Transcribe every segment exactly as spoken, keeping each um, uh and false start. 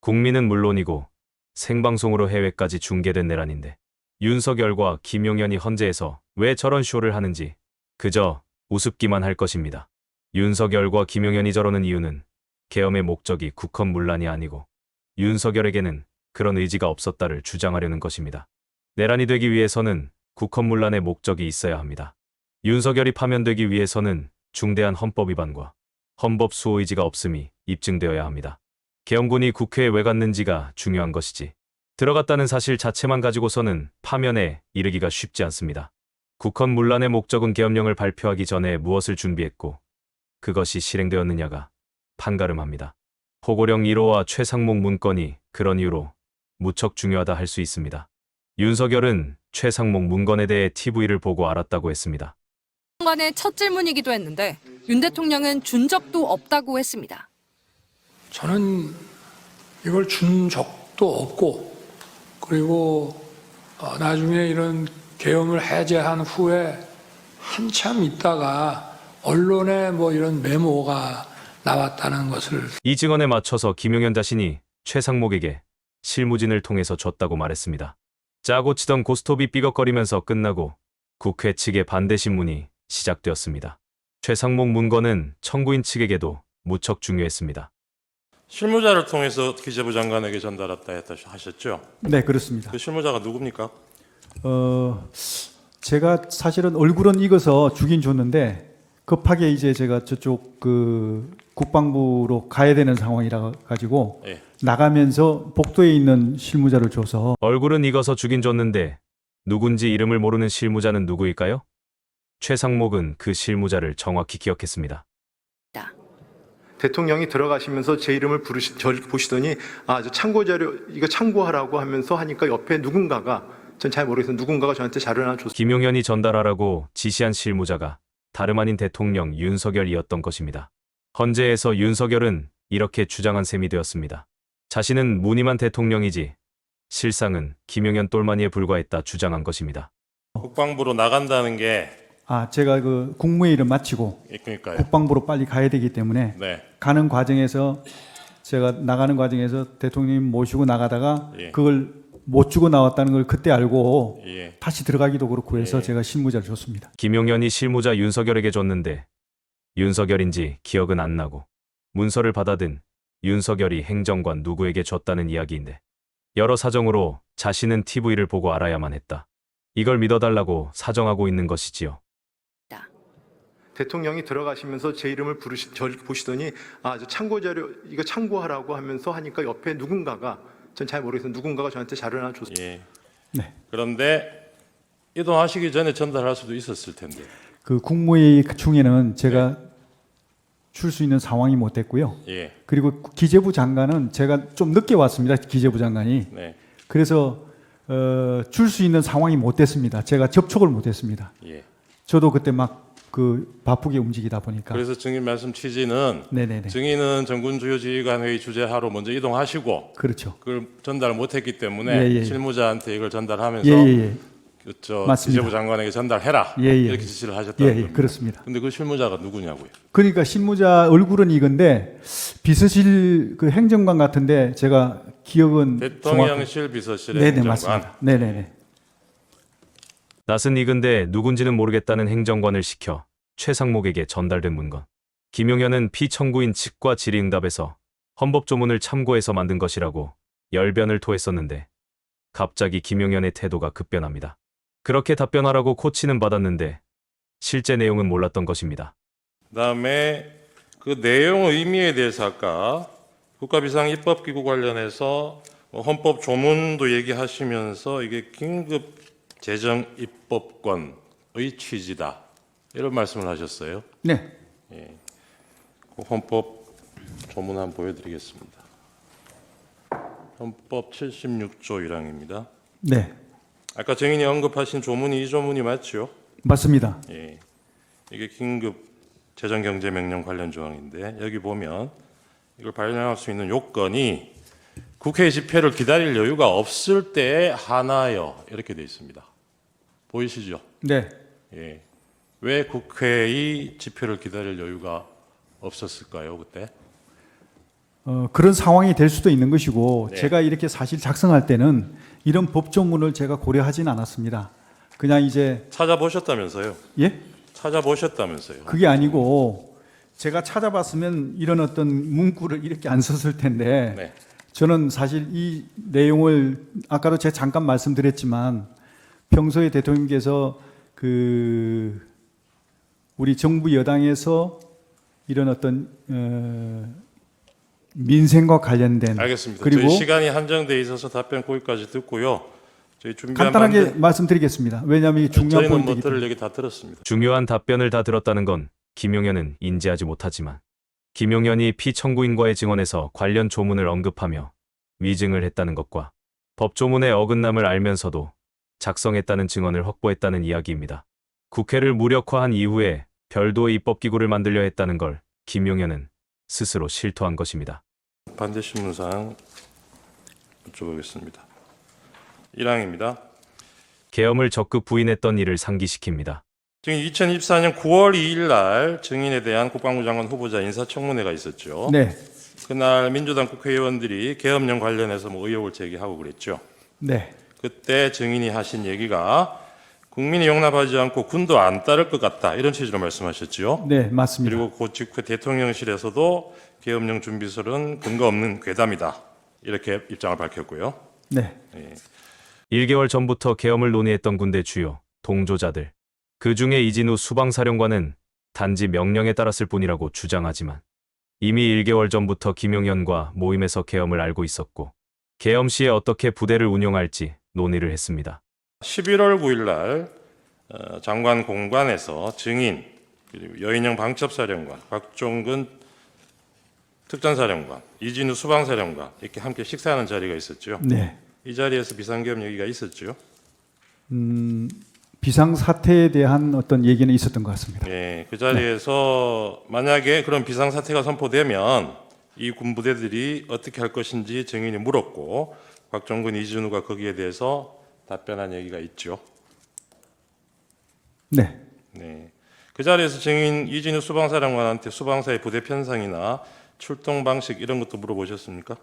국민은 물론이고 생방송으로 해외까지 중계된 내란인데 윤석열과 김용현이 헌재에서 왜 저런 쇼를 하는지 그저 우습기만 할 것입니다. 윤석열과 김용현이 저러는 이유는 계엄의 목적이 국헌문란이 아니고 윤석열에게는 그런 의지가 없었다를 주장하려는 것입니다. 내란이 되기 위해서는 국헌문란의 목적이 있어야 합니다. 윤석열이 파면되기 위해서는 중대한 헌법 위반과 헌법 수호 의지가 없음이 입증되어야 합니다. 계엄군이 국회에 왜 갔는지가 중요한 것이지 들어갔다는 사실 자체만 가지고서는 파면에 이르기가 쉽지 않습니다. 국헌문란의 목적은 계엄령을 발표하기 전에 무엇을 준비했고 그것이 실행되었느냐가 판가름합니다. 포고령 일 호와 최상목 문건이 그런 이유로 무척 중요하다 할 수 있습니다. 윤석열은 최상목 문건에 대해 티비를 보고 알았다고 했습니다. 장관의 첫 질문이기도 했는데 윤 대통령은 준 적도 없다고 했습니다. 저는 이걸 준 적도 없고 그리고 어, 나중에 이런 계엄을 해제한 후에 한참 있다가 언론에 뭐 이런 메모가 나왔다는 것을 이 증언에 맞춰서 김용현 자신이 최상목에게 실무진을 통해서 줬다고 말했습니다. 짜고 치던 고스톱이 삐걱거리면서 끝나고 국회 측의 반대 신문이 시작되었습니다. 최상목 문건은 청구인 측에게도 무척 중요했습니다. 실무자를 통해서 기재부 장관에게 전달했다 했다 하셨죠? 네, 그렇습니다. 그 실무자가 누굽니까? 어, 제가 사실은 얼굴은 익어서 주긴 줬는데 급하게 이제 제가 저쪽 그 국방부로 가야 되는 상황이라 가지고 예. 나가면서 복도에 있는 실무자를 줘서 얼굴은 익어서 주긴 줬는데 누군지 이름을 모르는 실무자는 누구일까요? 최상목은 그 실무자를 정확히 기억했습니다. 대통령이 들어가시면서 제 이름을 부르시, 저를 보시더니 아, 저 참고 자료 이거 참고하라고 하면서 하니까 옆에 누군가가 전 잘 모르겠어요. 누군가가 저한테 자료를 하나 줬어요. 김용현이 전달하라고 지시한 실무자가 다름 아닌 대통령 윤석열이었던 것입니다. 헌재에서 윤석열은 이렇게 주장한 셈이 되었습니다. 자신은 무늬만 대통령이지 실상은 김용현 똘마니에 불과했다 주장한 것입니다. 국방부로 나간다는 게 아, 제가 그 국무회의를 마치고 그러니까요. 국방부로 빨리 가야 되기 때문에 네. 가는 과정에서 제가 나가는 과정에서 대통령 모시고 나가다가 예. 그걸 못 주고 나왔다는 걸 그때 알고 예. 다시 들어가기도 그렇고 해서 예. 제가 실무자를 줬습니다. 김용현이 실무자 윤석열에게 줬는데 윤석열인지 기억은 안 나고 문서를 받아든 윤석열이 행정관 누구에게 줬다는 이야기인데 여러 사정으로 자신은 티비를 보고 알아야만 했다. 이걸 믿어달라고 사정하고 있는 것이지요. 대통령이 들어가시면서 제 이름을 부르시, 저를 보시더니 아, 저 참고 자료 이거 참고하라고 하면서 하니까 옆에 누군가가 전 잘 모르겠어요. 누군가가 저한테 자료를 하나 줬어요. 예. 네. 그런데 이동하시기 전에 전달할 수도 있었을 텐데. 그 국무회의 중에는 제가 줄 수 있는 상황이 못 됐고요. 예. 그리고 기재부 장관은 제가 좀 늦게 왔습니다. 기재부 장관이. 네. 그래서 어, 줄 수 있는 상황이 못 됐습니다. 제가 접촉을 못 했습니다. 예. 저도 그때 막 그 바쁘게 움직이다 보니까. 그래서 증인 말씀 취지는 네네네. 증인은 전군 주요 지휘관 회의 주재하러 먼저 이동하시고 그렇죠. 그걸 전달 못했기 때문에 예, 예. 실무자한테 이걸 전달하면서 예예예. 그저 맞습니다. 기재부 장관에게 전달해라 예, 예. 이렇게 지시를 하셨다는 예, 예, 겁니다. 그렇습니다. 근데 그 실무자가 누구냐고요? 그러니까 실무자 얼굴은 이건데 비서실 그 행정관 같은데 제가 기억은 대통령실 비서실의 네네 행정관. 맞습니다. 네네네. 낯은 익은데 누군지는 모르겠다는 행정관을 시켜 최상목에게 전달된 문건. 김용현은 피청구인 측과 질의응답에서 헌법조문을 참고해서 만든 것이라고 열변을 토했었는데 갑자기 김용현의 태도가 급변합니다. 그렇게 답변하라고 코치는 받았는데 실제 내용은 몰랐던 것입니다. 그다음에 그 내용 의미에 대해서 아까 국가비상입법기구 관련해서 뭐 헌법 조문도 얘기하시면서 이게 긴급 재정 입법권의 취지다 이런 말씀을 하셨어요. 네. 그 헌법 조문 한번 보여드리겠습니다. 헌법 칠십육 조 일 항입니다. 네. 아까 증인이 언급하신 조문이 이 조문이 맞죠? 맞습니다. 예. 이게 긴급 재정경제명령 관련 조항인데 여기 보면 이걸 발령할 수 있는 요건이 국회 집회를 기다릴 여유가 없을 때에 하나여 이렇게 되어 있습니다. 보이시죠? 네. 예. 왜 국회의 집회를 기다릴 여유가 없었을까요, 그때? 어, 그런 상황이 될 수도 있는 것이고 네. 제가 이렇게 사실 작성할 때는 이런 법조문을 제가 고려하진 않았습니다. 그냥 이제 찾아보셨다면서요? 예? 찾아보셨다면서요? 그게 아니고 제가 찾아봤으면 이런 어떤 문구를 이렇게 안 썼을 텐데 네. 저는 사실 이 내용을 아까도 제가 잠깐 말씀드렸지만 평소에 대통령께서 그 우리 정부 여당에서 이런 어떤 어 민생과 관련된 알겠습니다. 그리고 저희 시간이 한정돼 있어서 답변 거기까지 듣고요. 저희 준비한 간단하게 반대- 말씀드리겠습니다. 왜냐하면 이게 중요한 저희는 뭐 포인트이기 들을 때문에. 얘기 다 들었습니다. 중요한 답변을 다 들었다는 건 김용현은 인지하지 못하지만 김용현이 피청구인과의 증언에서 관련 조문을 언급하며 위증을 했다는 것과 법조문의 어긋남을 알면서도 작성했다는 증언을 확보했다는 이야기입니다. 국회를 무력화한 이후에 별도의 입법기구를 만들려 했다는 걸 김용현은 스스로 실토한 것입니다. 반대 신문상 여쭤보겠습니다. 일 항입니다. 계엄을 적극 부인했던 이를 상기시킵니다. 지금 이천이십사 년 구월 이일 날 증인에 대한 국방부 장관 후보자 인사청문회가 있었죠. 네, 그날 민주당 국회의원들이 계엄령 관련해서 뭐 의혹을 제기하고 그랬죠. 네, 그때 증인이 하신 얘기가 국민이 용납하지 않고 군도 안 따를 것 같다 이런 취지로 말씀하셨죠. 네, 맞습니다. 그리고 그 직후 대통령실에서도 계엄령 준비설은 근거 없는 괴담이다 이렇게 입장을 밝혔고요. 네, 일 개월 전부터 계엄을 논의했던 군대 주요 동조자들, 그 중에 이진우 수방사령관은 단지 명령에 따랐을 뿐이라고 주장하지만 이미 일 개월 전부터 김용현과 모임에서 계엄을 알고 있었고 계엄 시에 어떻게 부대를 운용할지 논의를 했습니다. 십일월 구일 날 어, 장관 공관에서 증인 그리고 여인영 방첩사령관, 박종근 특전사령관, 이진우 수방사령관 이렇게 함께 식사하는 자리가 있었죠. 네. 이 자리에서 비상계엄 얘기가 있었죠. 음, 비상 사태에 대한 어떤 얘기는 있었던 것 같습니다. 예, 그 자리에서 만약에 그런 비상 사태가 선포되면 이 군부대들이 어떻게 할 것인지 증인이 물었고 박종근, 이진우가 거기에 대해서 답변한 얘기가 있죠. 네, 네. 그 자리에서 증인 이진우 수방사령관한테 수방사의 부대 편성이나 출동 방식 이런 것도 물어보셨습니까?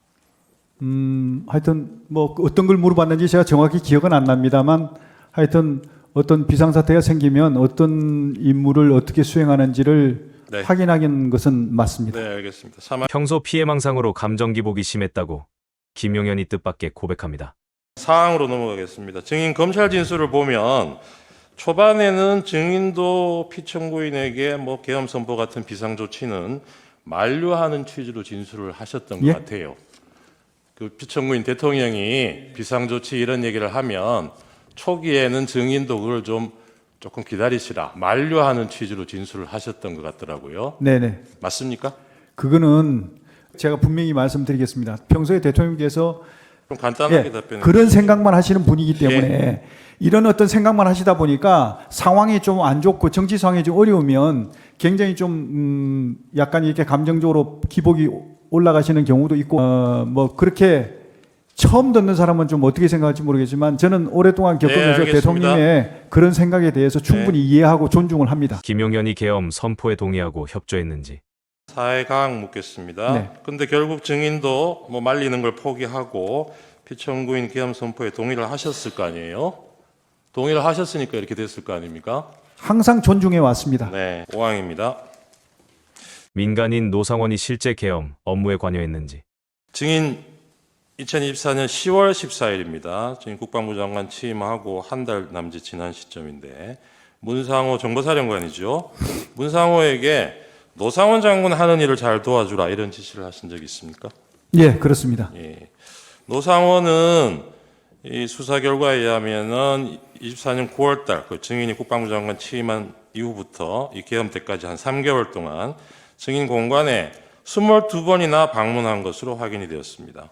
음, 하여튼 뭐 어떤 걸 물어봤는지 제가 정확히 기억은 안 납니다만 하여튼 어떤 비상사태가 생기면 어떤 임무를 어떻게 수행하는지를 네. 확인하는 것은 맞습니다. 네, 알겠습니다. 사망 평소 피해망상으로 감정 기복이 심했다고 김용현이 뜻밖의 고백합니다. 사항으로 넘어가겠습니다. 증인 검찰 진술을 보면 초반에는 증인도 피청구인에게 뭐 계엄 선포 같은 비상 조치는 만류하는 취지로 진술을 하셨던 예? 것 같아요. 그 피청구인 대통령이 비상 조치 이런 얘기를 하면 초기에는 증인도 그걸 좀 조금 기다리시라 만류하는 취지로 진술을 하셨던 것 같더라고요. 네네. 맞습니까? 그거는 제가 분명히 말씀드리겠습니다. 평소에 대통령께서 좀 간단하게 예, 답변해 그런 생각만 하시는 분이기 때문에 이런 어떤 생각만 하시다 보니까 상황이 좀 안 좋고 정치 상황이 좀 어려우면 굉장히 좀 음, 약간 이렇게 감정적으로 기복이 올라가시는 경우도 있고 어, 뭐 그렇게 처음 듣는 사람은 좀 어떻게 생각할지 모르겠지만 저는 오랫동안 겪으면서 알겠습니다. 대통령의 그런 생각에 대해서 충분히 이해하고 존중을 합니다. 김용현이 계엄 선포에 동의하고 협조했는지 사회강 묻겠습니다. 네. 근데 결국 증인도 뭐 말리는 걸 포기하고 피청구인 계엄 선포에 동의를 하셨을 거 아니에요? 동의를 하셨으니까 이렇게 됐을 거 아닙니까? 항상 존중해 왔습니다. 네, 오 항입니다. 민간인 노상원이 실제 계엄 업무에 관여했는지 증인 이천이십사 년 시월 십사일입니다. 증인 국방부 장관 취임하고 한 달 남짓 지난 시점인데 문상호 정보사령관이죠. 문상호에게 노상원 장군 하는 일을 잘 도와주라 이런 지시를 하신 적이 있습니까? 예, 그렇습니다. 예. 노상원은 이 수사 결과에 의하면은 이십사 년 구월 달 그 증인이 국방부 장관 취임한 이후부터 이 계엄 때까지 한 삼 개월 동안 증인 공관에 이십이 번이나 방문한 것으로 확인이 되었습니다.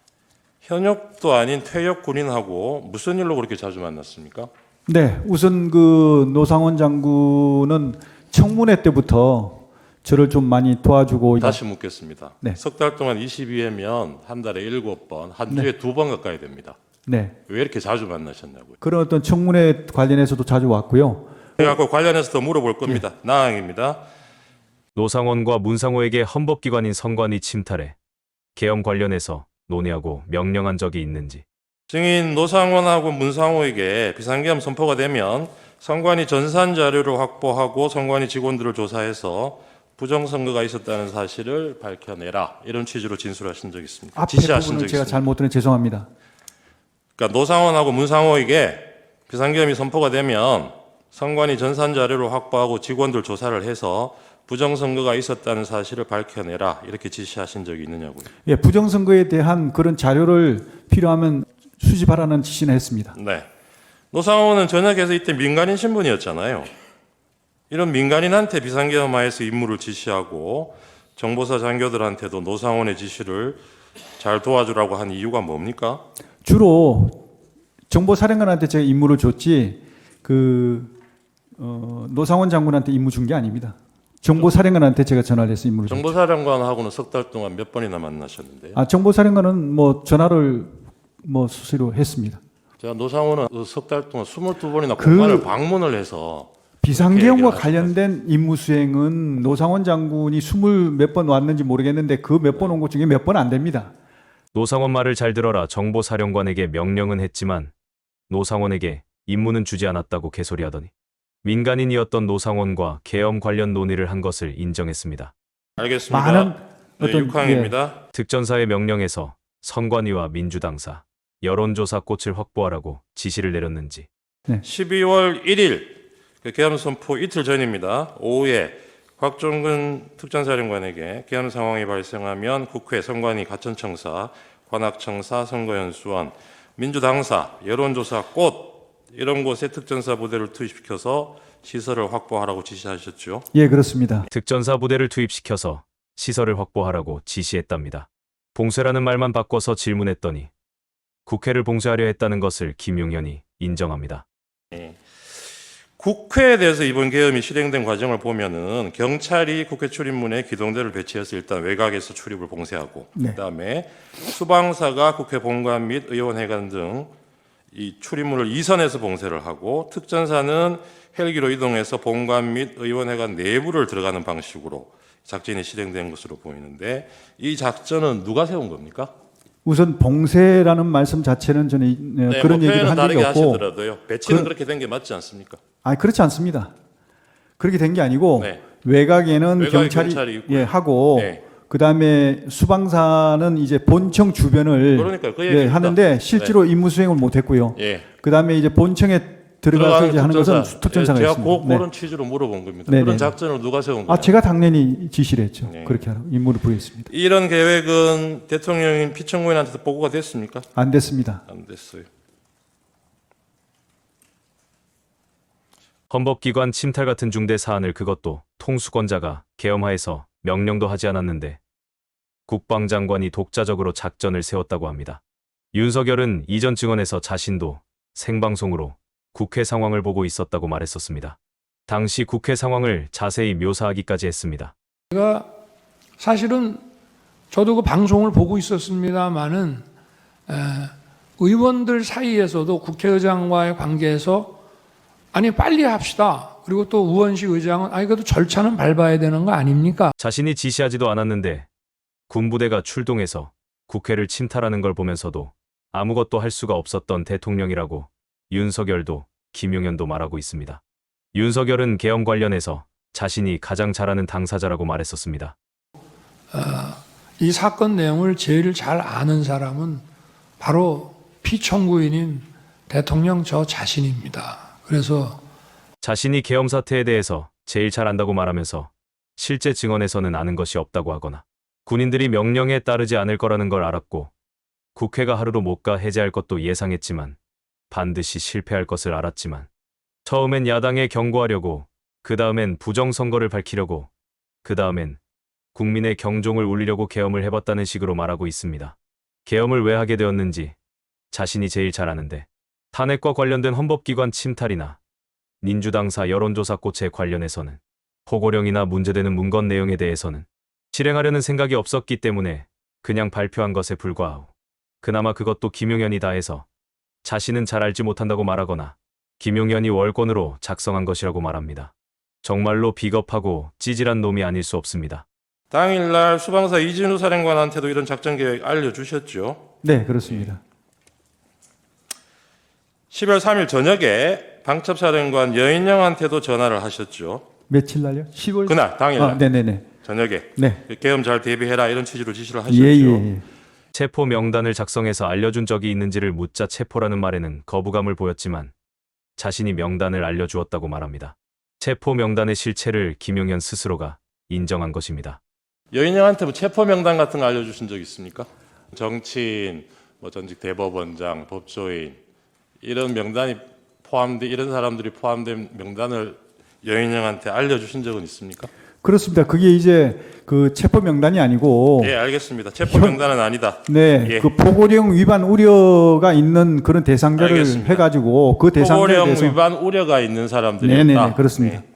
현역도 아닌 퇴역 군인하고 무슨 일로 그렇게 자주 만났습니까? 네, 우선 그 노상원 장군은 청문회 때부터 저를 좀 많이 도와주고 다시 묻겠습니다. 네. 석 달 동안 이십이 회면 한 달에 일곱 번, 한 주에 두 번 가까이 됩니다. 네, 왜 이렇게 자주 만나셨냐고요? 그런 어떤 청문회 관련해서도 자주 왔고요. 그래갖고 관련해서 더 물어볼 겁니다. 나항입니다. 노상원과 문상호에게 헌법기관인 선관위 침탈해 계엄 관련해서 논의하고 명령한 적이 있는지, 증인 노상원하고 문상호에게 비상계엄 선포가 되면 선관위 전산 자료를 확보하고 선관위 직원들을 조사해서 부정선거가 있었다는 사실을 밝혀내라, 이런 취지로 진술하신 적이 있습니다. 앞에 지시하신 부분을 적이 제가 있습니다. 잘못 들은 죄송합니다. 그러니까 노상원하고 문상호에게 비상계엄이 선포가 되면 선관위 전산 자료를 확보하고 직원들 조사를 해서 부정선거가 있었다는 사실을 밝혀내라, 이렇게 지시하신 적이 있느냐고요. 예, 부정선거에 대한 그런 자료를 필요하면 수집하라는 지시는 했습니다. 네. 노상호는 전역에서 이때 민간인 신분이었잖아요. 이런 민간인한테 비상계엄하에서 임무를 지시하고 정보사 장교들한테도 노상원의 지시를 잘 도와주라고 한 이유가 뭡니까? 주로 정보사령관한테 제가 임무를 줬지 그 어, 노상원 장군한테 임무 준 게 아닙니다. 정보사령관한테 제가 전화를 해서 임무를 줬죠. 정보사령관하고는 석 달 동안 몇 번이나 만나셨는데요. 아, 정보사령관은 뭐 전화를 뭐 수시로 했습니다. 제가 노상원은 석 달 동안 스물두 번이나 그- 공간을 방문을 해서 비상계엄과 그렇게 관련된 임무 수행은 노상원 장군이 스물 몇 번 왔는지 모르겠는데 그 몇 번 온 것 중에 몇 번 안 됩니다. 노상원 말을 잘 들어라 정보사령관에게 명령은 했지만 노상원에게 임무는 주지 않았다고 개소리하더니 민간인이었던 노상원과 계엄 관련 논의를 한 것을 인정했습니다. 알겠습니다. 많은 네, 어떤 육 항입니다. 특전사의 명령에서 선관위와 민주당사, 여론조사 꽃을 확보하라고 지시를 내렸는지, 십이월 일일 그 계엄 선포 이틀 전입니다. 오후에 곽종근 특전사령관에게 계엄 상황이 발생하면 국회, 선관위, 가천청사, 관악청사, 선거연수원, 민주당사, 여론조사 꽃 이런 곳에 특전사 부대를 투입시켜서 시설을 확보하라고 지시하셨죠. 예, 그렇습니다. 특전사 부대를 투입시켜서 시설을 확보하라고 지시했답니다. 봉쇄라는 말만 바꿔서 질문했더니 국회를 봉쇄하려 했다는 것을 김용현이 인정합니다. 국회에 대해서 이번 계엄이 실행된 과정을 보면은 경찰이 국회 출입문에 기동대를 배치해서 일단 외곽에서 출입을 봉쇄하고, 네. 그다음에 수방사가 국회 본관 및 의원회관 등 이 출입문을 이선해서 봉쇄를 하고, 특전사는 헬기로 이동해서 본관 및 의원회관 내부를 들어가는 방식으로 작전이 실행된 것으로 보이는데, 이 작전은 누가 세운 겁니까? 우선 봉쇄라는 말씀 자체는 저는 이- 네, 그런 뭐 얘기를 표현은 한 적이 다르게 없고, 하시더라도요. 배치는 그- 그렇게 된 게 맞지 않습니까? 아, 그렇지 않습니다. 그렇게 된 게 아니고 네. 외곽에는 외곽에 경찰이, 경찰이 있고요. 예, 하고 네. 그다음에 수방사는 이제 본청 주변을 그러니까요. 그 예, 얘기입니다. 하는데 실제로 임무 수행을 못 했고요. 예. 그다음에 이제 본청에 들어가서 이제 하는 것은 특전사. 특전사가 예, 제가 있습니다. 그, 네. 그런 취지로 물어본 겁니다. 네, 그런 네. 작전을 누가 세운 거예요? 아, 제가 당연히 지시를 했죠. 네. 그렇게 하라고 임무를 부여했습니다. 이런 계획은 대통령인 피청구인한테 보고가 됐습니까? 안 됐습니다. 안 됐어요. 헌법기관 침탈 같은 중대 사안을 그것도 통수권자가 계엄하에서 명령도 하지 않았는데 국방장관이 독자적으로 작전을 세웠다고 합니다. 윤석열은 이전 증언에서 자신도 생방송으로 국회 상황을 보고 있었다고 말했었습니다. 당시 국회 상황을 자세히 묘사하기까지 했습니다. 사실은 저도 그 방송을 보고 있었습니다만은 의원들 사이에서도 국회의장과의 관계에서 아니 빨리 합시다. 그리고 또 우원식 의장은 아니 그래도 절차는 밟아야 되는 거 아닙니까? 자신이 지시하지도 않았는데 군부대가 출동해서 국회를 침탈하는 걸 보면서도 아무것도 할 수가 없었던 대통령이라고 윤석열도 김용현도 말하고 있습니다. 윤석열은 계엄 관련해서 자신이 가장 잘하는 당사자라고 말했었습니다. 이 사건 내용을 제일 잘 아는 사람은 바로 피청구인인 대통령 저 자신입니다. 그래서 자신이 계엄 사태에 대해서 제일 잘 안다고 말하면서 실제 증언에서는 아는 것이 없다고 하거나 군인들이 명령에 따르지 않을 거라는 걸 알았고 국회가 하루로 못 가 해제할 것도 예상했지만 반드시 실패할 것을 알았지만 처음엔 야당에 경고하려고 그 다음엔 부정선거를 밝히려고 그 다음엔 국민의 경종을 울리려고 계엄을 해봤다는 식으로 말하고 있습니다. 계엄을 왜 하게 되었는지 자신이 제일 잘 아는데 탄핵과 관련된 헌법기관 침탈이나 민주당사 여론조사 꽃에 관련해서는 호고령이나 문제되는 문건 내용에 대해서는 실행하려는 생각이 없었기 때문에 그냥 발표한 것에 불과하고 그나마 그것도 김용현이 다 해서 자신은 잘 알지 못한다고 말하거나 김용현이 월권으로 작성한 것이라고 말합니다. 정말로 비겁하고 찌질한 놈이 아닐 수 없습니다. 당일날 수방사 이진우 사령관한테도 이런 작전 계획 알려주셨죠. 네, 그렇습니다. 십이월 삼일 저녁에 방첩사령관 여인영한테도 전화를 하셨죠. 며칠 날요? 시월 그날 당일날 아, 네네네. 저녁에 네. 계엄 잘 대비해라 이런 취지로 지시를 하셨죠. 예, 예, 예. 체포 명단을 작성해서 알려준 적이 있는지를 묻자 체포라는 말에는 거부감을 보였지만 자신이 명단을 알려주었다고 말합니다. 체포 명단의 실체를 김용현 스스로가 인정한 것입니다. 여인영한테 뭐 체포 명단 같은 거 알려주신 적 있습니까? 정치인, 뭐 전직 대법원장, 법조인 이런 명단이 포함된 이런 사람들이 포함된 명단을 여인영한테 알려주신 적은 있습니까? 그렇습니다. 그게 이제 그 체포 명단이 아니고 예, 알겠습니다. 체포 명단은 아니다. 네, 예. 그 포고령 위반 우려가 있는 그런 대상자를 알겠습니다. 해가지고 그 대상자에 포고령 대해서 위반 우려가 있는 사람들이었다. 네네네 그렇습니다. 네.